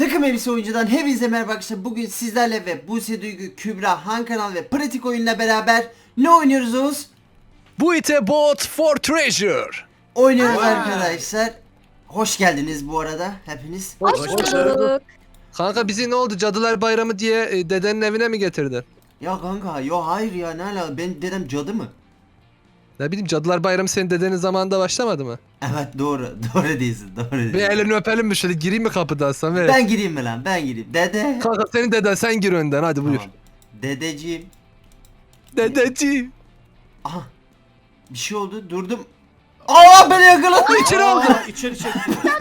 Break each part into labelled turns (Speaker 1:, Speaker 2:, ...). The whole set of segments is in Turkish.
Speaker 1: Takım Elbise Oyuncu'dan hepinize merhaba arkadaşlar. Bugün sizlerle ve Buse Duygu, Kübra, Han Kanal ve Pratik Oyun'la beraber ne oynuyoruz Oğuz?
Speaker 2: Bu ite bot for treasure.
Speaker 1: Oynuyoruz
Speaker 3: Aa.
Speaker 1: arkadaşlar. Hoş geldiniz bu arada hepiniz.
Speaker 3: Hoş bulduk.
Speaker 2: Kanka bizi ne oldu? Cadılar Bayramı diye dedenin evine mi getirdin?
Speaker 1: Ya kanka yo hayır ya ne ala ben dedem cadı mı?
Speaker 2: Ne bileyim, Cadılar Bayramı senin dedenin zamanında başlamadı mı?
Speaker 1: Evet doğru değilsin doğru
Speaker 2: Bir
Speaker 1: değilsin.
Speaker 2: elini öpelim mi şöyle, gireyim mi kapıdan Samet?
Speaker 1: Ben gireyim mi lan ben gireyim. Dede.
Speaker 2: Kanka senin deden, sen gir önden, hadi buyur.
Speaker 1: Tamam. Dedeciğim.
Speaker 2: Dedeciğim.
Speaker 1: Aha. Bir şey oldu durdum. Aa beni yakaladı.
Speaker 2: İçeri aldı.
Speaker 3: İçeri çek.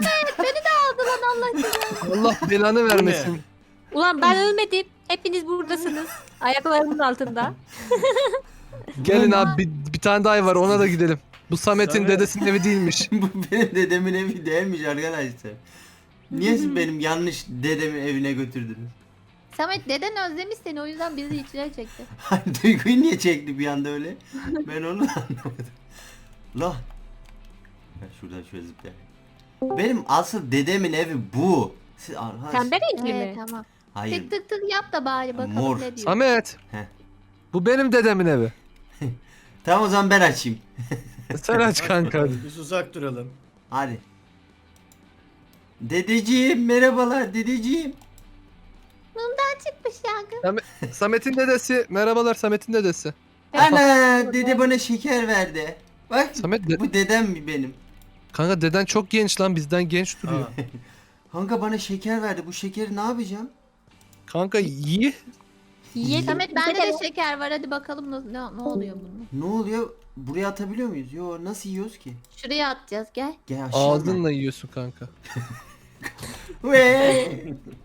Speaker 2: Allah belanı vermesin.
Speaker 4: Ulan ben ölmedim. Hepiniz buradasınız. Ayaklarımın altında.
Speaker 2: Gelin abi, bir tane daha ev var, ona da gidelim. Bu Samet'in
Speaker 3: Samet.
Speaker 2: dedesinin evi değilmiş.
Speaker 1: Bu benim dedemin evi değilmiş arkadaşlar. Niye siz benim yanlış dedemin evine götürdünüz?
Speaker 5: Samet deden özlemiş seni o yüzden bizi içine çekti.
Speaker 1: Hani Duygu'yu niye çekti bir anda öyle? Ben onu da anlamadım. La. Ben şuradan şöyle zıplayayım. Benim asıl dedemin evi bu. Siz arkadaş.
Speaker 4: Pembe renkli
Speaker 5: Evet
Speaker 4: mi?
Speaker 5: tamam.
Speaker 1: Hayır.
Speaker 5: Tık tık tık yap da bari bakalım
Speaker 1: Mor.
Speaker 5: ne diyor.
Speaker 2: Samet.
Speaker 1: Heh.
Speaker 2: Bu benim dedemin evi.
Speaker 1: Tamam o zaman ben açayım.
Speaker 2: Sen aç kanka.
Speaker 3: Biz uzak duralım.
Speaker 1: Hadi. Dedeciğim merhabalar dedeciğim.
Speaker 5: Çıkmış yangın.
Speaker 2: Samet'in dedesi. Merhabalar, Samet'in dedesi.
Speaker 1: Ana dede bana şeker verdi. Bak
Speaker 2: Samet
Speaker 1: bu dedem mi benim?
Speaker 2: kanka deden çok genç lan, bizden genç duruyor.
Speaker 3: Aa,
Speaker 1: Kanka bana şeker verdi. Bu şekeri ne yapacağım?
Speaker 2: Kanka iyi.
Speaker 4: Yiyelim.
Speaker 5: Samet bende de şeker var hadi bakalım ne oluyor bunun.
Speaker 1: Ne oluyor? Buraya atabiliyor muyuz? Yo nasıl yiyoruz ki?
Speaker 5: Şuraya atacağız gel.
Speaker 1: Gel aşağı.
Speaker 2: Ağzınla yiyorsun kanka.
Speaker 1: Ve.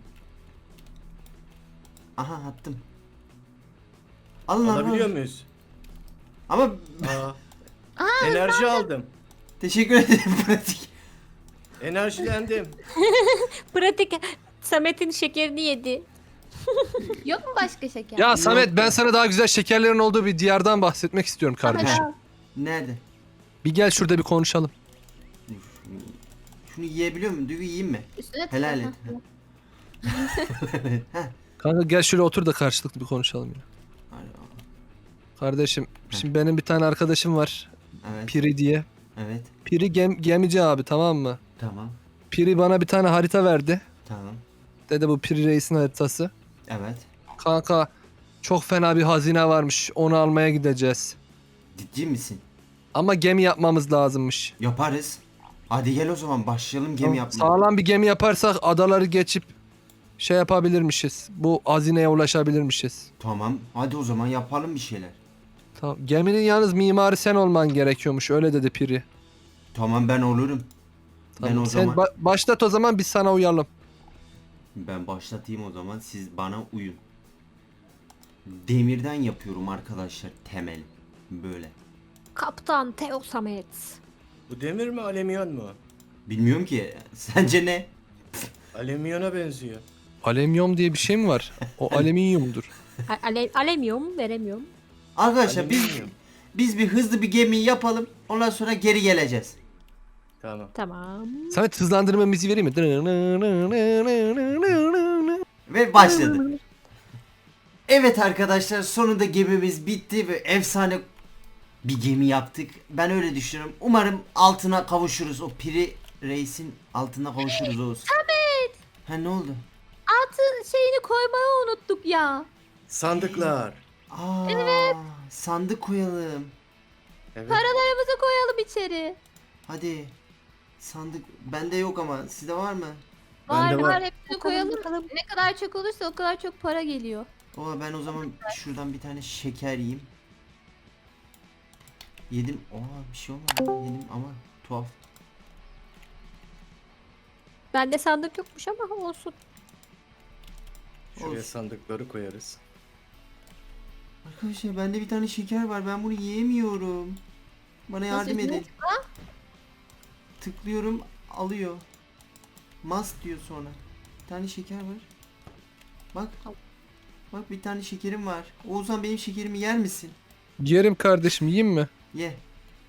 Speaker 1: Aha attım. Alın
Speaker 3: alabiliyor
Speaker 1: alın.
Speaker 3: muyuz?
Speaker 1: Ama
Speaker 3: Enerji aldım.
Speaker 1: teşekkür ederim pratik.
Speaker 3: Enerjilendim.
Speaker 4: Pratik. Samet'in şekerini yedi.
Speaker 5: Yok mu başka şeker?
Speaker 2: Ya Samet, ben sana daha güzel şekerlerin olduğu bir diyardan bahsetmek istiyorum kardeşim.
Speaker 5: Samet,
Speaker 1: Nerede?
Speaker 2: Bir gel şurada bir konuşalım.
Speaker 1: Dur, şunu yiyebiliyor muyum? Duygu yiyeyim mi?
Speaker 5: üstüne tık.
Speaker 1: Helal et. Heh.
Speaker 2: Kanka gel şöyle otur da karşılıklı bir konuşalım ya. Kardeşim, şimdi benim bir tane arkadaşım var.
Speaker 1: Evet.
Speaker 2: Piri diye.
Speaker 1: Evet.
Speaker 2: Piri gemici abi, tamam mı?
Speaker 1: Tamam.
Speaker 2: Piri bana bir tane harita verdi.
Speaker 1: Tamam.
Speaker 2: Dedi bu Piri Reis'in haritası.
Speaker 1: Evet.
Speaker 2: Kanka çok fena bir hazine varmış. Onu almaya gideceğiz.
Speaker 1: Ciddi misin?
Speaker 2: Ama gemi yapmamız lazımmış.
Speaker 1: Yaparız. Hadi gel o zaman başlayalım gemi yapmaya.
Speaker 2: Sağlam bir gemi yaparsak adaları geçip şey yapabilirmişiz. Bu hazineye ulaşabilirmişiz.
Speaker 1: Tamam. Hadi o zaman yapalım bir şeyler.
Speaker 2: Tamam. Geminin yalnız mimarı sen olman gerekiyormuş. Öyle dedi Piri.
Speaker 1: Tamam ben olurum. Ben
Speaker 2: Tamam.
Speaker 1: o
Speaker 2: Sen
Speaker 1: zaman
Speaker 2: başlat o zaman, biz sana uyalım.
Speaker 1: ben başlatayım o zaman siz bana uyun. Demirden yapıyorum arkadaşlar temel. Böyle.
Speaker 4: Kaptan Teo Samet.
Speaker 3: Bu demir mi alüminyon mu?
Speaker 1: Bilmiyorum ki. Sence ne?
Speaker 3: Alüminyona benziyor.
Speaker 2: Alüminyum diye bir şey mi var? O alüminyumdur.
Speaker 4: Alemiyorum, veremiyorum.
Speaker 1: Arkadaşlar
Speaker 3: Alüminyum.
Speaker 1: biz bir hızlı bir gemi yapalım. Ondan sonra geri geleceğiz.
Speaker 3: Tamam.
Speaker 4: Tamam.
Speaker 2: Samet, hızlandırma müziği vereyim mi?
Speaker 1: Ve başladı. Evet arkadaşlar sonunda gemimiz bitti ve efsane bir gemi yaptık. Ben öyle düşünüyorum. Umarım altına kavuşuruz. O Piri Reis'in altına kavuşuruz Oğuz.
Speaker 5: Samet
Speaker 1: Ha ne oldu?
Speaker 5: altın şeyini koymayı unuttuk ya.
Speaker 3: Sandıklar.
Speaker 1: Aa, sandık koyalım.
Speaker 3: Evet.
Speaker 5: Paralarımızı koyalım içeri.
Speaker 1: Hadi. Sandık bende yok ama sizde var mı?
Speaker 5: Var
Speaker 3: Bende
Speaker 5: var
Speaker 3: var.
Speaker 5: hepsini
Speaker 4: Bakalım,
Speaker 5: koyalım.
Speaker 4: bakalım.
Speaker 5: Ne kadar çok olursa o kadar çok para geliyor.
Speaker 1: Oha ben o zaman şuradan bir tane şeker yiyeyim. Yedim. Oha bir şey olmadı. Yedim ama tuhaf.
Speaker 4: Bende sandık yokmuş ama olsun.
Speaker 3: Şuraya
Speaker 1: Olsun.
Speaker 3: sandıkları koyarız.
Speaker 1: Arkadaşlar bende bir tane şeker var. Ben bunu yiyemiyorum. Bana yardım
Speaker 5: Nasıl
Speaker 1: edin. Tıklıyorum alıyor. Must diyor sonra. Bir tane şeker var. Bak. Bak bir tane şekerim var. Oğuzhan benim şekerimi yer misin?
Speaker 2: Yerim kardeşim, yiyeyim mi?
Speaker 1: Ye.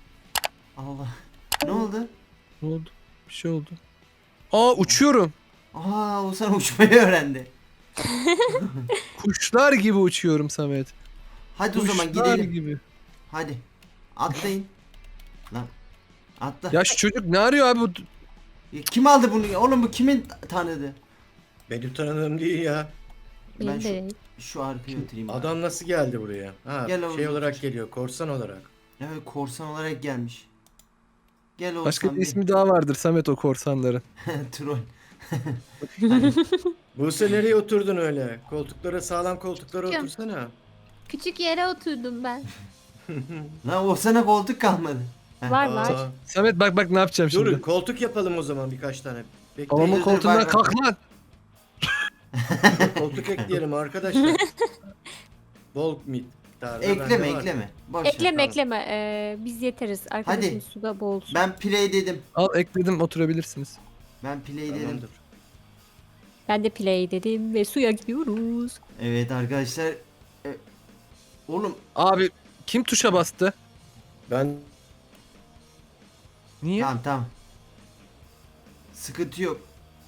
Speaker 1: Allah. Ne oldu?
Speaker 2: Ne oldu? Bir şey oldu. Aa, uçuyorum.
Speaker 1: Aa Oğuzhan uçmayı öğrendi.
Speaker 2: Kuşlar gibi uçuyorum Samet.
Speaker 1: Hadi o zaman
Speaker 2: Kuşlar
Speaker 1: gidelim.
Speaker 2: gibi.
Speaker 1: Hadi. Atlayın. Lan. Atla.
Speaker 2: Ya şu çocuk ne arıyor abi?
Speaker 1: Kim aldı bunu? Oğlum bu kimin tanıdı?
Speaker 3: Benim tanıdığım değil ya.
Speaker 1: Ben
Speaker 4: Benim
Speaker 1: şu,
Speaker 4: de.
Speaker 1: şu arkaya oturayım. bari.
Speaker 3: Adam nasıl geldi buraya? Ha,
Speaker 1: Gel
Speaker 3: şey
Speaker 1: oğlum,
Speaker 3: olarak
Speaker 1: otur.
Speaker 3: geliyor, korsan olarak.
Speaker 1: Evet korsan olarak gelmiş. Gel Oğuzhan
Speaker 2: Başka bir
Speaker 1: bir.
Speaker 2: ismi daha vardır Samet o korsanların.
Speaker 1: Troll. Hadi.
Speaker 3: Buse nereye oturdun öyle? Koltuklara, sağlam koltuklara
Speaker 5: Çıkıyorum.
Speaker 3: otursana.
Speaker 5: Küçük yere oturdum ben.
Speaker 1: Lan Oğuzhan'a koltuk kalmadı. Heh.
Speaker 4: Var var.
Speaker 3: Aa,
Speaker 2: Samet bak ne yapacağım
Speaker 3: dur,
Speaker 2: şimdi.
Speaker 3: koltuk yapalım o zaman birkaç tane. Bekleyin.
Speaker 2: Babamın
Speaker 1: dur,
Speaker 2: koltuğundan
Speaker 1: bak, bak.
Speaker 2: kalk lan.
Speaker 3: Koltuk ekleyelim arkadaşlar. Bol miktarda
Speaker 1: Ekleme
Speaker 3: bende var.
Speaker 1: ekleme. Boş ver.
Speaker 4: Ekleme
Speaker 3: tamam.
Speaker 4: ekleme. Biz yeteriz. Arkadaşımız suda boğulsun.
Speaker 1: Ben play dedim.
Speaker 2: Al ekledim oturabilirsiniz.
Speaker 1: Ben play dedim.
Speaker 3: Tamamdır.
Speaker 4: Ben de play dedim ve suya gidiyoruz.
Speaker 1: Evet arkadaşlar. Oğlum
Speaker 2: Abi kim tuşa bastı?
Speaker 3: Ben
Speaker 2: Niye?
Speaker 1: tamam. Sıkıntı yok.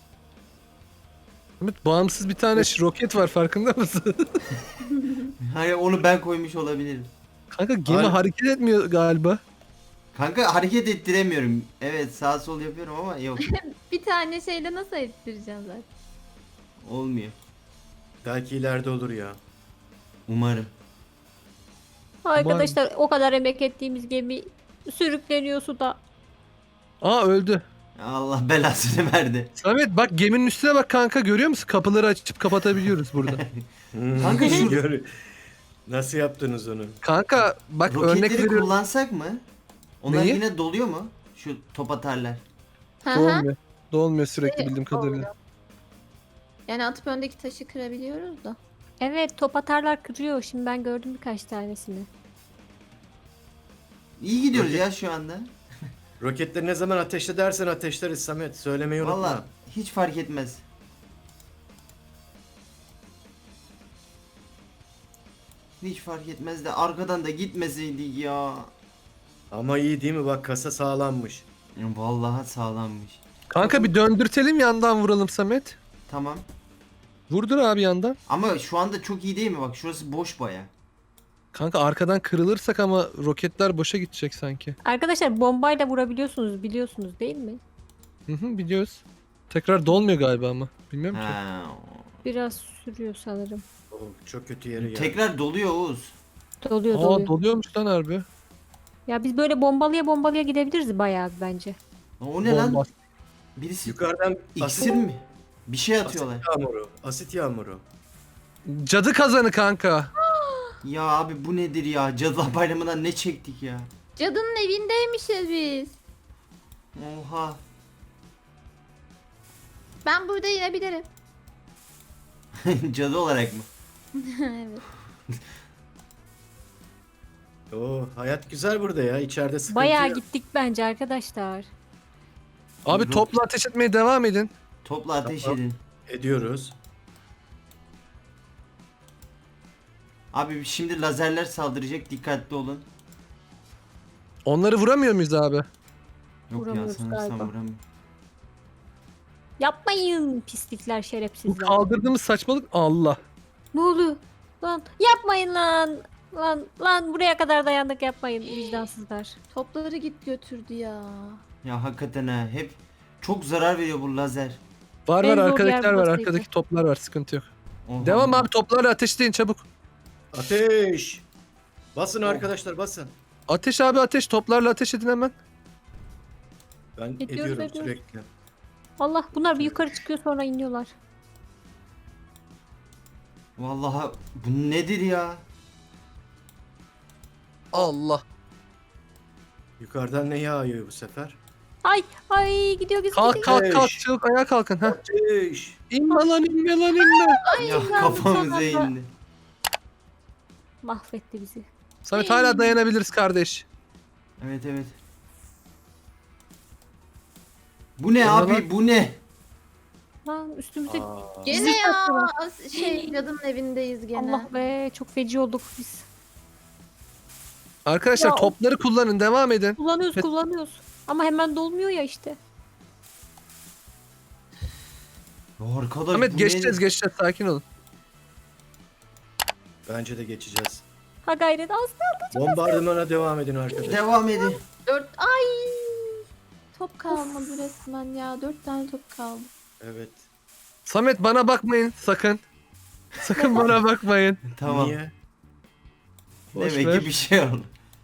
Speaker 2: Samet bağımsız bir tane roket var farkında mısın?
Speaker 1: Hayır onu ben koymuş olabilirim.
Speaker 2: Kanka gemi
Speaker 3: Abi-
Speaker 2: hareket etmiyor galiba.
Speaker 1: Kanka hareket ettiremiyorum. Evet sağ sol yapıyorum ama yok.
Speaker 5: Bir tane şeyde nasıl ettireceğim zaten.
Speaker 1: Olmuyor.
Speaker 3: belki ileride olur ya.
Speaker 1: Umarım.
Speaker 4: Arkadaşlar o kadar emek ettiğimiz gemi sürükleniyor suda.
Speaker 2: Aa öldü.
Speaker 1: Allah belasını verdi.
Speaker 2: Samet bak geminin üstüne bak kanka görüyor musun? Kapıları açıp kapatabiliyoruz burada.
Speaker 1: Kanka şu-
Speaker 3: Nasıl yaptınız onu?
Speaker 2: Kanka bak örnek
Speaker 1: Roketleri
Speaker 2: veriyorum.
Speaker 1: kullansak mı? Onlar
Speaker 2: Neyi?
Speaker 1: yine doluyor mu? Şu top atarlar.
Speaker 5: Hı hı.
Speaker 2: Dolmuyor. Dolmuyor sürekli bildiğim kadarıyla.
Speaker 5: Yani atıp öndeki taşı kırabiliyoruz da.
Speaker 4: Evet top atarlar kırıyor. Şimdi ben gördüm birkaç tanesini.
Speaker 1: İyi gidiyoruz
Speaker 3: Roket-
Speaker 1: ya şu anda.
Speaker 3: Roketleri ne zaman ateşle dersen ateşleriz Samet. Söylemeyi unutma.
Speaker 1: Valla hiç fark etmez. Hiç fark etmez de arkadan da gitmeseydik ya.
Speaker 3: Ama iyi değil mi? Bak kasa sağlammış.
Speaker 1: Vallahi sağlammış.
Speaker 2: Kanka bir döndürtelim yandan vuralım Samet.
Speaker 1: Tamam.
Speaker 2: Vurdur abi yandan.
Speaker 1: Ama şu anda çok iyi değil mi? Bak şurası boş baya.
Speaker 2: Kanka arkadan kırılırsak ama roketler boşa gidecek sanki.
Speaker 4: Arkadaşlar bombayla vurabiliyorsunuz biliyorsunuz değil mi?
Speaker 2: Hı hı biliyoruz. Tekrar dolmuyor galiba ama. Bilmiyorum ki.
Speaker 1: Ha.
Speaker 4: Biraz sürüyor sanırım.
Speaker 3: Oh, çok kötü yere geldi.
Speaker 1: Tekrar doluyor Oğuz.
Speaker 4: Doluyor
Speaker 2: Aa
Speaker 4: doluyor.
Speaker 2: doluyormuş lan harbi.
Speaker 4: Ya biz böyle bombalıya bombalıya gidebiliriz bayağı bence.
Speaker 1: O ne lan?
Speaker 2: Bomba.
Speaker 1: Birisi
Speaker 3: Yukarıdan
Speaker 1: iksir
Speaker 3: asit,
Speaker 1: mi? Bir şey
Speaker 3: asit
Speaker 1: atıyorlar.
Speaker 3: yağmuru. Asit yağmuru.
Speaker 2: Cadı kazanı kanka.
Speaker 1: Ya abi bu nedir ya? Cadılar Bayramı'ndan ne çektik ya?
Speaker 5: Cadının evindeymişiz biz.
Speaker 1: Oha.
Speaker 5: Ben burada inebilirim.
Speaker 1: Cadı olarak mı?
Speaker 5: Evet.
Speaker 3: Oo, hayat güzel burada ya. İçeride sıkıntı
Speaker 4: Bayağı
Speaker 3: yok.
Speaker 4: gittik bence arkadaşlar.
Speaker 2: Abi
Speaker 1: Yok.
Speaker 2: topla ateş etmeye devam edin.
Speaker 1: Topla ateş
Speaker 3: Tamam.
Speaker 1: edin.
Speaker 3: Ediyoruz.
Speaker 1: Abi şimdi lazerler saldıracak. Dikkatli olun.
Speaker 2: Onları vuramıyor muyuz abi?
Speaker 1: Yok ya
Speaker 4: Vuramıyoruz
Speaker 1: sanırsam
Speaker 4: galiba.
Speaker 1: vuramıyorum.
Speaker 4: Yapmayın pislikler
Speaker 2: Bu
Speaker 4: şerefsizler.
Speaker 2: kaldırdığımız saçmalık Allah.
Speaker 4: Ne oluyor? Lan yapmayın lan. Lan buraya kadar dayandık yapmayın vicdansızlar.
Speaker 5: Topları git götürdü ya.
Speaker 1: Ya hakikaten ha. Hep çok zarar veriyor bu lazer.
Speaker 2: Var
Speaker 4: En
Speaker 2: var
Speaker 4: zor yer
Speaker 2: arkadakiler var.
Speaker 4: burasıydı.
Speaker 2: Arkadaki toplar var sıkıntı yok.
Speaker 1: Oha.
Speaker 2: Devam abi toplarla ateşleyin çabuk.
Speaker 3: Ateş! Basın
Speaker 1: Oh.
Speaker 3: arkadaşlar basın.
Speaker 2: Ateş abi ateş toplarla ateş edin hemen.
Speaker 3: Ben
Speaker 4: Ediyoruz,
Speaker 3: ediyorum
Speaker 4: ediyoruz.
Speaker 3: sürekli.
Speaker 4: Allah bunlar bir yukarı çıkıyor sonra iniyorlar.
Speaker 1: Vallahi bu nedir ya?
Speaker 2: Allah.
Speaker 3: Yukarıdan ne yağıyor bu sefer?
Speaker 4: Ay gidiyor gidiyor.
Speaker 2: Kalk kalk kalk
Speaker 3: Ateş.
Speaker 2: çabuk ayağa kalkın. Heh.
Speaker 3: Ateş!
Speaker 2: İnme lan inme lan inme.
Speaker 1: Ya
Speaker 4: lan,
Speaker 1: kafamıza
Speaker 4: son anda.
Speaker 1: indi.
Speaker 4: Mahvetti bizi.
Speaker 2: Samet hala dayanabiliriz kardeş.
Speaker 1: Evet evet. Bu ne
Speaker 2: O ne
Speaker 1: abi
Speaker 2: lan?
Speaker 1: bu ne?
Speaker 4: Lan üstümüze
Speaker 3: Aa,
Speaker 5: Gene
Speaker 4: Bizi
Speaker 5: ya.
Speaker 4: taktılar.
Speaker 5: Cadının evindeyiz gene.
Speaker 4: Allah be çok feci olduk biz.
Speaker 2: Arkadaşlar
Speaker 4: Ya.
Speaker 2: topları kullanın devam edin.
Speaker 4: Kullanıyoruz
Speaker 2: Evet.
Speaker 4: kullanıyoruz. Ama hemen dolmuyor ya işte.
Speaker 1: Ya arkadaş
Speaker 2: Samet
Speaker 1: bu
Speaker 2: geçeceğiz
Speaker 1: ne?
Speaker 2: geçeceğiz sakin olun.
Speaker 3: Bence de geçeceğiz.
Speaker 4: Ha gayret az kaldı.
Speaker 3: Bombardımana devam edin arkadaşlar.
Speaker 1: Devam edin.
Speaker 5: 4 ay. Top kalmadı resmen ya. 4 tane top kaldı.
Speaker 3: Evet.
Speaker 2: Samet bana bakmayın sakın. Sakın bana bakmayın.
Speaker 1: Tamam.
Speaker 3: Niye?
Speaker 2: Boş
Speaker 1: Demek
Speaker 2: ver.
Speaker 1: ki bir şey oldu.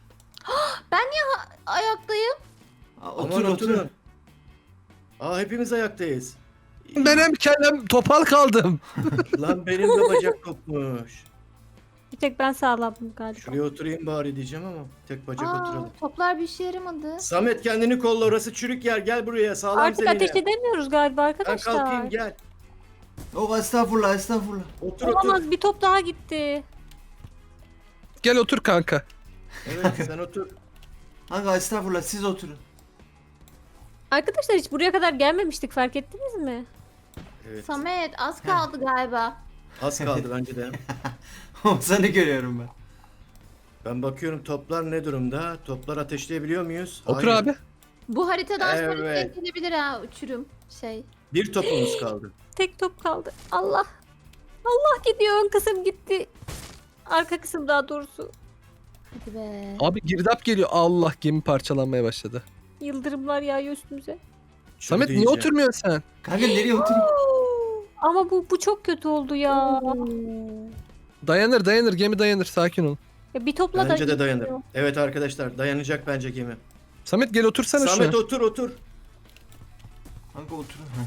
Speaker 5: Ayaktayım.
Speaker 1: Otur
Speaker 3: Aman
Speaker 1: otur.
Speaker 3: oturun. Aa hepimiz ayaktayız.
Speaker 2: Ben hem kellem topal kaldım.
Speaker 3: Lan benim de bacak kopmuş.
Speaker 4: Bir tek ben sağlamdım galiba.
Speaker 3: Şuraya oturayım bari diyeceğim ama tek bacak
Speaker 5: Aa,
Speaker 3: oturalım.
Speaker 5: toplar bir işe yaramadı.
Speaker 3: Samet kendini kolla, orası çürük yer, gel buraya sağlam
Speaker 4: Artık
Speaker 3: zeminle.
Speaker 4: ateş edemiyoruz galiba
Speaker 3: Ben
Speaker 4: arkadaşlar.
Speaker 3: kalkayım gel.
Speaker 1: Oh estağfurullah estağfurullah.
Speaker 3: Otur
Speaker 4: Olamaz,
Speaker 3: otur.
Speaker 4: bir top daha gitti.
Speaker 2: Gel otur kanka.
Speaker 3: Evet sen otur.
Speaker 1: Kanka estağfurullah siz oturun.
Speaker 4: Arkadaşlar hiç buraya kadar gelmemiştik, fark ettiniz mi?
Speaker 3: Evet.
Speaker 5: Samet az kaldı galiba.
Speaker 3: Az kaldı bence de.
Speaker 1: Seni görüyorum ben.
Speaker 3: Ben bakıyorum toplar ne durumda? Toplar ateşleyebiliyor muyuz?
Speaker 2: Otur
Speaker 3: Hayır.
Speaker 2: abi.
Speaker 5: Bu haritadan sonra
Speaker 3: Evet.
Speaker 5: denk gelebilir ha uçurum şey.
Speaker 3: Bir topumuz kaldı.
Speaker 4: Tek top kaldı. Allah. Allah gidiyor, ön kısım gitti. Arka kısım daha doğrusu.
Speaker 5: Hadi be.
Speaker 2: Abi girdap geliyor. Allah gemi parçalanmaya başladı.
Speaker 4: Yıldırımlar yağıyor üstümüze.
Speaker 2: Samet niye
Speaker 3: Çürüyeceğim.
Speaker 2: oturmuyorsun sen?
Speaker 1: Kanka nereye oturayım?
Speaker 4: Ama bu çok kötü oldu ya.
Speaker 2: Dayanır gemi dayanır sakin ol.
Speaker 4: Ya bir topla da
Speaker 3: Bence de
Speaker 4: gitmiyor.
Speaker 3: dayanır. Evet arkadaşlar dayanacak bence gemi.
Speaker 2: Samet gel otursana
Speaker 3: Samet
Speaker 2: şuna.
Speaker 3: otur otur.
Speaker 1: Kanka oturun. Ha.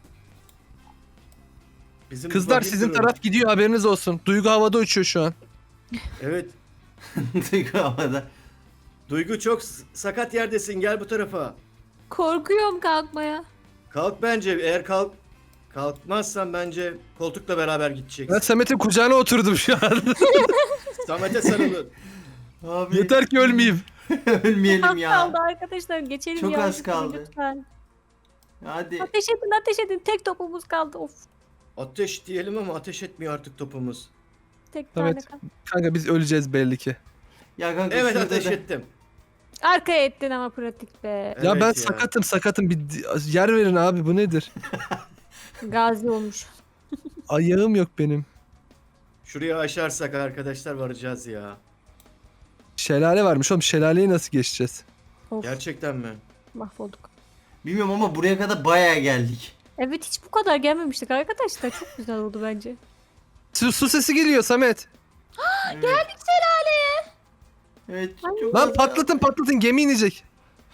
Speaker 3: Bizim
Speaker 2: Kızlar
Speaker 3: bakayım
Speaker 2: sizin
Speaker 3: durun.
Speaker 2: taraf gidiyor haberiniz olsun. Duygu havada uçuyor şu an.
Speaker 3: Evet.
Speaker 1: Duygu havada.
Speaker 3: Duygu çok sakat yerdesin, gel bu tarafa.
Speaker 4: Korkuyorum kalkmaya.
Speaker 3: Kalk bence, eğer kalkmazsan bence koltukla beraber
Speaker 2: Ben
Speaker 3: gideceksin.
Speaker 2: Samet'in kucağına oturdum şu an.
Speaker 3: Samet'e sarılın.
Speaker 1: Abi
Speaker 2: Yeter ki ölmeyeyim.
Speaker 1: ölmeyelim
Speaker 4: Az
Speaker 1: ya.
Speaker 4: kaldı arkadaşlar, geçelim
Speaker 1: Çok
Speaker 4: ya.
Speaker 1: az kaldı.
Speaker 4: Lütfen.
Speaker 1: Hadi.
Speaker 4: Ateş edin. Tek topumuz kaldı. Of.
Speaker 3: Ateş diyelim ama ateş etmiyor artık topumuz.
Speaker 4: Tek tane
Speaker 2: Evet.
Speaker 4: kaldı.
Speaker 2: Kanka biz öleceğiz belli ki.
Speaker 1: Ya kanka
Speaker 3: Evet
Speaker 1: şurada
Speaker 3: ateş
Speaker 1: da-
Speaker 3: ettim.
Speaker 4: Arkaya ettin ama pratik be.
Speaker 2: Ya
Speaker 3: Evet
Speaker 2: ben
Speaker 3: ya.
Speaker 2: sakatım. Bir yer verin abi bu nedir?
Speaker 4: Gazi olmuş.
Speaker 2: Ayağım yok benim.
Speaker 3: Şuraya aşarsak arkadaşlar varacağız ya.
Speaker 2: Şelale varmış oğlum. Şelaleyi nasıl geçeceğiz?
Speaker 4: Of,
Speaker 3: Gerçekten mi?
Speaker 4: mahvolduk.
Speaker 1: Bilmiyorum ama buraya kadar bayağı geldik.
Speaker 4: Evet, hiç bu kadar gelmemiştik arkadaşlar. Çok güzel oldu bence.
Speaker 2: Su sesi geliyor Samet.
Speaker 1: Evet.
Speaker 5: Geldik şelaleye.
Speaker 1: Evet. Çok
Speaker 2: Lan
Speaker 1: az-
Speaker 2: patlatın gemi inecek.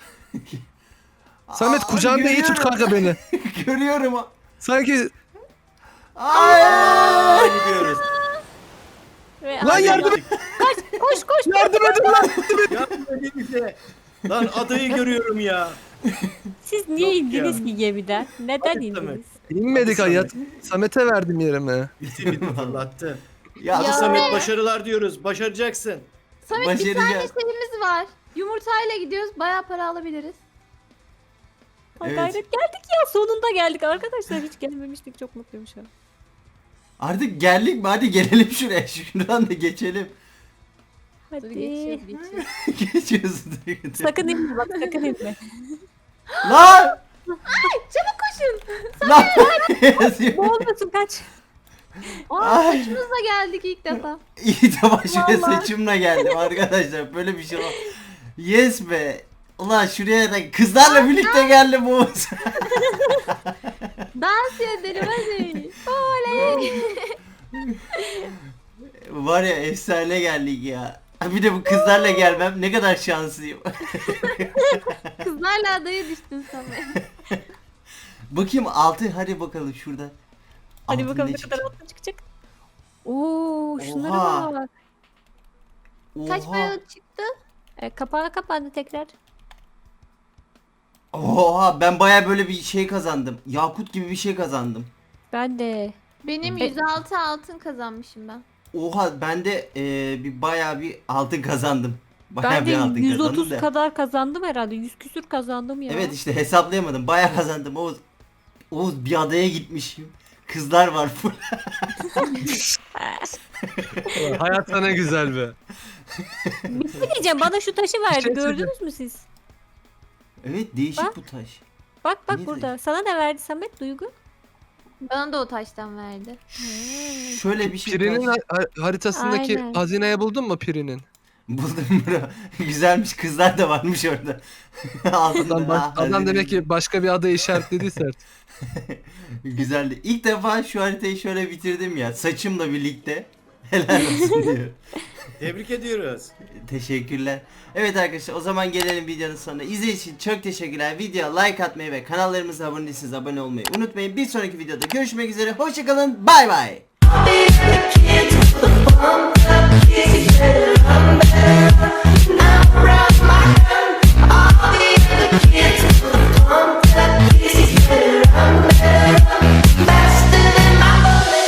Speaker 2: Samet
Speaker 1: Aa,
Speaker 2: kucağında iyi tut
Speaker 1: görüyorum.
Speaker 2: kanka beni.
Speaker 1: Görüyorum.
Speaker 2: Sanki
Speaker 1: Ay!
Speaker 3: Aa, gidiyoruz.
Speaker 4: Ve
Speaker 2: lan yardım et.
Speaker 4: koş.
Speaker 2: Yardım edin lan.
Speaker 3: Yardım edin bize. Lan adayı görüyorum ya.
Speaker 4: Siz niye
Speaker 3: Yok
Speaker 4: indiniz
Speaker 3: ya.
Speaker 4: ki gemiden? Neden
Speaker 3: Hadi
Speaker 4: indiniz?
Speaker 3: Samet.
Speaker 2: İnmedik
Speaker 3: Hadi
Speaker 2: hayat. Samet'e verdim yerime.
Speaker 3: Bizi fırlattı.
Speaker 1: Ya,
Speaker 3: Hadi
Speaker 5: Ya.
Speaker 3: Samet başarılar diyoruz. Başaracaksın.
Speaker 5: Samet bir tane
Speaker 1: başaracağız.
Speaker 5: şeyimiz var. Yumurtayla gidiyoruz. Bayağı para alabiliriz.
Speaker 4: Ha,
Speaker 1: Evet.
Speaker 4: gayret geldik ya, sonunda geldik arkadaşlar. Hiç gelmemiştik, çok mutluyum şu an.
Speaker 1: Artık geldik mi? Hadi gelelim şuraya. Şuradan da geçelim.
Speaker 5: Dur
Speaker 4: Hadi.
Speaker 5: geçiyoruz geçiyoruz.
Speaker 1: Geçiyorsun.
Speaker 4: Sakın inme bak, sakın inme.
Speaker 1: Lan!
Speaker 5: Çabuk koşun.
Speaker 1: Lan! Yazıyor.
Speaker 4: Ne olmasın, kaç.
Speaker 5: Aa
Speaker 1: Ay.
Speaker 5: saçımızla geldik ilk defa.
Speaker 1: İyi de başıma
Speaker 4: Vallahi.
Speaker 1: saçımla geldim arkadaşlar. Böyle bir şey var. Yes be. Ulan şuraya da kızlarla birlikte geldim Oğuz.
Speaker 5: Dans edelim hadi. Oley.
Speaker 1: Var ya efsane geldik ya. Bir de bu kızlarla gelmem ne kadar şanslıyım.
Speaker 5: Kızlarla adaya düştün Samet.
Speaker 1: Bakayım altı hadi bakalım şurada.
Speaker 4: Hadi
Speaker 1: Altın
Speaker 4: bakalım ne
Speaker 1: çıkacak?
Speaker 4: kadar altın çıkacak. Oo, şunlara
Speaker 1: Oha.
Speaker 4: bak.
Speaker 5: Kaç
Speaker 1: Oha.
Speaker 5: para çıktı?
Speaker 4: Kapağı kapandı tekrar.
Speaker 1: Oha ben baya böyle bir şey kazandım. Yakut gibi bir şey kazandım.
Speaker 4: Ben de.
Speaker 5: Benim
Speaker 4: E-
Speaker 5: 106 altın kazanmışım ben.
Speaker 1: Oha ben de bir baya bir altın kazandım. Baya
Speaker 4: Ben de
Speaker 1: bir altın
Speaker 4: 130
Speaker 1: kazandım da.
Speaker 4: kadar kazandım herhalde. 100 küsür kazandım ya.
Speaker 1: Evet işte hesaplayamadım. Baya kazandım. Oğuz bir adaya gitmişim. Kızlar var full.
Speaker 2: Hayat sana güzel be.
Speaker 4: Bir şey diyeceğim, bana şu taşı verdi.
Speaker 2: şey
Speaker 4: Gördünüz mü siz?
Speaker 1: Evet değişik
Speaker 4: Bak.
Speaker 1: bu taş.
Speaker 4: Bak
Speaker 1: Niye
Speaker 4: burada. Sana ne verdi Samet, Duygu?
Speaker 5: Bana da o taştan verdi.
Speaker 1: Şöyle bir şey
Speaker 2: Pirinin
Speaker 1: var.
Speaker 2: haritasındaki
Speaker 4: Aynen.
Speaker 2: hazineyi buldun mu Pirinin?
Speaker 1: Buldum bro. Güzelmiş, kızlar da varmış orada. Altında.
Speaker 2: Adam
Speaker 1: hazine.
Speaker 2: demek ki başka bir adayı işaretlediyse artık.
Speaker 1: Güzeldi. İlk defa şu haritayı şöyle bitirdim ya. Saçımla birlikte. Helal olsun diyor.
Speaker 3: Tebrik ediyoruz.
Speaker 1: Teşekkürler. Evet arkadaşlar, o zaman gelelim videonun sonuna. İzlediğiniz için çok teşekkürler. Videoya like atmayı ve kanallarımıza abone değilseniz abone olmayı unutmayın. Bir sonraki videoda görüşmek üzere. Hoşçakalın. Bay bay.
Speaker 6: Be the kid with the bump up, kids, get it, I'm better.